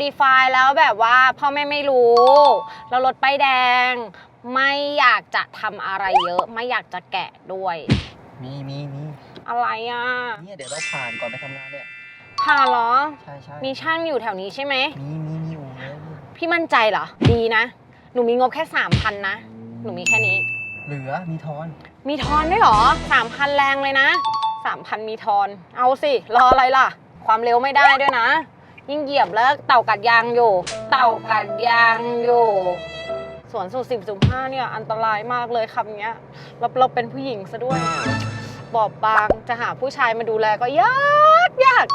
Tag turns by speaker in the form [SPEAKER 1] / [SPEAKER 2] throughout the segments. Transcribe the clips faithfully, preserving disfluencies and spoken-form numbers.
[SPEAKER 1] Modify แล้วแบบว่าพ่อแม่ไม่รู้แล้วรถป้ายแดงไม่อยากจะทำอะไรเยอะไม่อยากจะแกะด้วย
[SPEAKER 2] มีมีมี
[SPEAKER 1] อะไรอ่ะ
[SPEAKER 2] เนี่ยเดี๋ยวเราผ่านก่อนไปทำงานเนี่ย
[SPEAKER 1] ผ่านเหรอ
[SPEAKER 2] ใช่ใช่
[SPEAKER 1] มีช่างอยู่แถวนี้ใช่ไหม
[SPEAKER 2] มีมีมีอยู่
[SPEAKER 1] พี่มั่นใจเหรอดีนะหนูมีงบแค่สามพันนะหนูมีแค่นี้
[SPEAKER 2] เหลือมีทอน
[SPEAKER 1] มีทอนด้วยเหรอสามพันแรงเลยนะสามพันมีทอนเอาสิรออะไรล่ะความเร็วไม่ได้ด้วยนะยิ่งเหยียบแล้วเต่ากัดยางอยู่เต่ากัดยางอยู่สวนสูตรสิบจุดห้าเนี่ยอันตรายมากเลยคำเนี้ยเราเราเป็นผู้หญิงซะด้วยบอบบางจะหาผู้ชายมาดูแลก็ยากยาก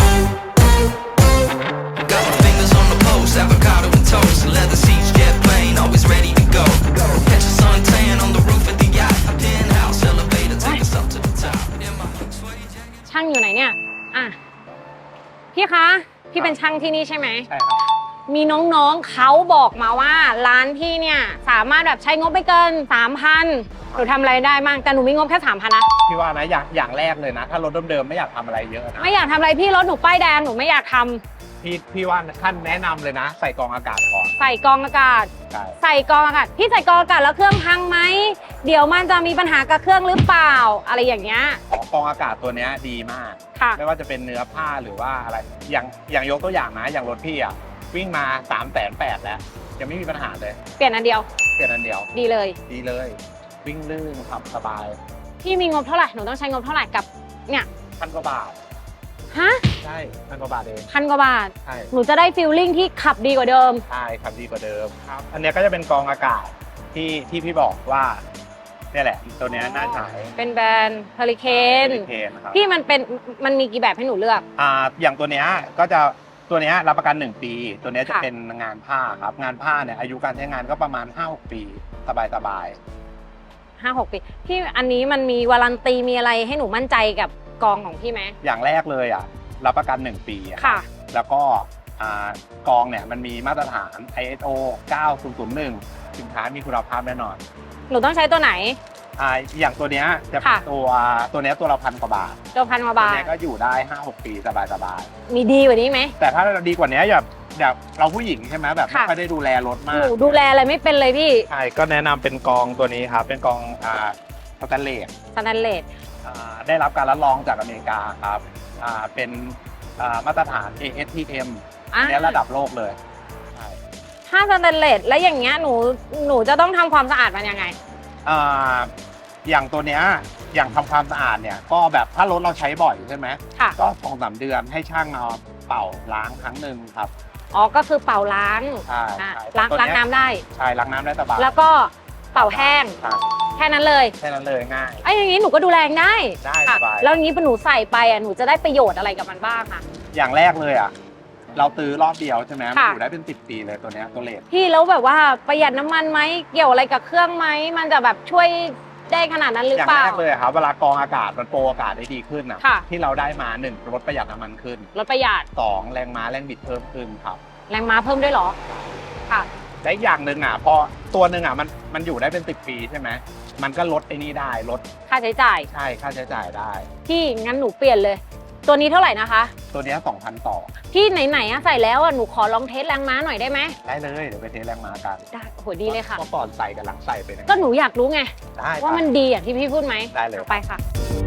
[SPEAKER 1] ช่างอยู่ไหนเนี่ยอ่ะพี่คะพี่เป็นช่างที่นี่ใช่ไหม
[SPEAKER 2] ใช่ครับ
[SPEAKER 1] มีน้องๆเขาบอกมาว่าร้านพี่เนี่ยสามารถแบบใช้งบไม่เกิน สามพัน หนูทำอะไรได้บ้างแต่หนูมีงบแค่ สามพัน นะ
[SPEAKER 2] พี่ว่านะอย่างอย่างแรกเลยนะถ้ารถเดิมๆไม่อยากทำอะไรเยอะนะ
[SPEAKER 1] ไม่อยากทำอะไรพี่รถหนูป้ายแดงหนูไม่อยากทำ
[SPEAKER 2] พี่พี่ว่าท่านแนะนำเลยนะใส่กรองอากาศก่อน
[SPEAKER 1] ใส่กรองอากาศใส่กรองอากาศพี่ใส่กรองอากาศแล้วเครื่องพังไหมเดี๋ยวมันจะมีปัญหากับเครื่องหรือเปล่าอะไรอย่างเงี้ย
[SPEAKER 2] กรองอากาศตัวนี้ดีมากไม่ว่าจะเป็นเนื้อผ้าหรือว่าอะไรอย่างอย่างยกตัวอย่างนะอย่างรถพี่อ่ะวิ่งมาสามแสนแปดแล้วยังไม่มีปัญหาเลย
[SPEAKER 1] เปลี่ยนอันเดียว
[SPEAKER 2] เปลี่ยนอันเดียว
[SPEAKER 1] ดีเลย
[SPEAKER 2] ดีเลยวิ่งลื่นขับสบาย
[SPEAKER 1] พี่มีงบเท่าไหร่หนูต้องใช้งบเท่าไหร่กับเนี่ย
[SPEAKER 2] พันกว่าบาท
[SPEAKER 1] ฮะ
[SPEAKER 2] ใช่พันกว่าบาทเอง
[SPEAKER 1] พันกว่าบาท
[SPEAKER 2] ใช่
[SPEAKER 1] หนูจะได้ฟีลลิ่งที่ขับดีกว่าเดิม
[SPEAKER 2] ใช่ขับดีกว่าเดิมครับอันนี้ก็จะเป็นกรองอากาศที่ที่พี่บอกว่านี่แหละตัวนี้น่าใช้
[SPEAKER 1] เป็นแบรนด์เฮอริเคน
[SPEAKER 2] ครับ
[SPEAKER 1] พี่มันเป็นมันมีกี่แบบให้หนูเลือก
[SPEAKER 2] อ่าอย่างตัวนี้ก็จะตัวนี้รับประกันหนึ่งปีตัวนี้จะเป็นงานผ้าครับงานผ้าเนี่ยอายุการใช้งานก็ประมาณ ห้าหก ปีสบายสบาย
[SPEAKER 1] ห้าหกปีพี่อันนี้มันมีวารันตีมีอะไรให้หนูมั่นใจกับกองของพี่ไหม
[SPEAKER 2] อย่างแรกเลยอ่ะรับประกันหนึ่งปี
[SPEAKER 1] ค่ะ
[SPEAKER 2] แล้วก็กองเนี่ยมันมีมาตรฐาน ไอ เอส โอ เก้าศูนย์ศูนย์หนึ่งสินค้ามีคุณภาพแน่นอน
[SPEAKER 1] หนูต้องใช้ตัวไหน
[SPEAKER 2] อ่าอย่างตัวเนี้ยจะเป็นตัวตัวเนี้ยตัวละพันกว่าบาท
[SPEAKER 1] ตัวพันกว่าบาท
[SPEAKER 2] ตัวเนี้ยก็อยู่ได้ ห้าหก ปีสบายสบาย
[SPEAKER 1] มีดีกว่านี้ไหม
[SPEAKER 2] แต่ถ้าเราดีกว่านี้แบบแบบเราผู้หญิงใช่ไหมแบบไม่ค่อยได้ดูแลรถมาก
[SPEAKER 1] หนูดูแลอะไรไม่เป็นเลยพี่
[SPEAKER 2] ใช่ก็แนะนำเป็นกองตัวนี้ครับเป็นกองอ่าสแตนเลส
[SPEAKER 1] สแตนเลส
[SPEAKER 2] อ่าได้รับการรับรองจากอเมริกาครับอ่าเป็นอ่ามาตรฐาน เอ เอส ที เอ็ม อันนี้ระดับโลกเลยใช่
[SPEAKER 1] ถ้าสแตนเลสแล้วอย่างเงี้ยหนูหนูจะต้องทำความสะอาดมันยังไง
[SPEAKER 2] อ่าอย่างตัวเนี้ยอย่างทำความสะอาดเนี่ยก็แบบถ้ารถเราใช้บ่อยใช่ไหมก็สองสามเดือนให้ช่างเอาเป่าล้างครั้งหนึ่งครับ
[SPEAKER 1] อ๋อก็คือเป่าล้าง
[SPEAKER 2] ใช่
[SPEAKER 1] ล้างล้างน้ำได้
[SPEAKER 2] ใช่ล้างน้ำได้สบาย
[SPEAKER 1] แล้วก็เป่าแห้งแค่นั้นเลย
[SPEAKER 2] แค่นั้นเลยง่าย
[SPEAKER 1] ไอ้อย่างนี้หนูก็ดูแลได้
[SPEAKER 2] ได้สบาย
[SPEAKER 1] แล้วอย่างนี้พอหนูใส่ไปอ่ะหนูจะได้ประโยชน์อะไรกับมันบ้างค่ะ
[SPEAKER 2] อย่างแรกเลยอ่ะเราตื้อรอบเดียวใช่ไหมมันอยู่ได้เป็นสิบปีเลยตัวเนี้ยตัวเลส
[SPEAKER 1] พี่แล้วแบบว่าประหยัดน้ำมันไหมเกี่ยวอะไรกับเครื่องไหมมันจะแบบช่วยได้ขนาดนั้นหรือเปล่า
[SPEAKER 2] อย่างแรกเลยครับเวลากรองอากาศมันโปรอากาศได้ดีขึ้นนะที่เราได้มาหนึ่งลดประหยัดน้ำมันขึ้น
[SPEAKER 1] ลดประหยัด
[SPEAKER 2] สองแรงม้าแรงบิดเพิ่มขึ้นครับ
[SPEAKER 1] แรงม้าเพิ่มด้วยหรอค่ะ
[SPEAKER 2] และอย่างหนึ่งอ่ะพอตัวหนึ่งอ่ะมันมันอยู่ได้เป็นสิบปีใช่ไหมมันก็ลดไอ้นี่ได้ลด
[SPEAKER 1] ค่าใช้จ่าย
[SPEAKER 2] ใช่ค่าใช้จ่ายได้
[SPEAKER 1] พี่งั้นหนูเปลี่ยนเลยตัวนี้เท่าไหร่นะคะ
[SPEAKER 2] ตัวนี้สองพันต่อ
[SPEAKER 1] พี่ไหนๆอะใส่แล้วอะหนูขอลองเทสแรงม้าหน่อยได้ไหม
[SPEAKER 2] ได้เลยเดี๋ยวไปเทสแรงม้ากัน
[SPEAKER 1] ได้โหดีเลยค่ะ
[SPEAKER 2] ก็ก่อนใส่กับหลังใส่ไป
[SPEAKER 1] ก็หนูอยากรู้ไง
[SPEAKER 2] ได้
[SPEAKER 1] ว่ามันดีอย่างที่พี่พูดไหม
[SPEAKER 2] ได้เลย
[SPEAKER 1] ไปค่ะ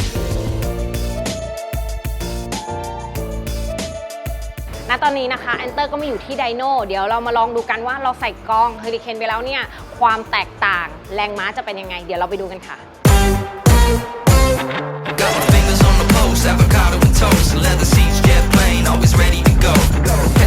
[SPEAKER 1] ณตอนนี้นะคะแอนเตอร์ก็มาอยู่ที่ไดโน่เดี๋ยวเรามาลองดูกันว่าเราใส่กองเฮอริเคนไปแล้วเนี่ยความแตกต่างแรงม้าจะเป็นยังไงเดี๋ยวเราไปดูกันค่ะAvocado and toast, leather seats, jet plane, always ready to go.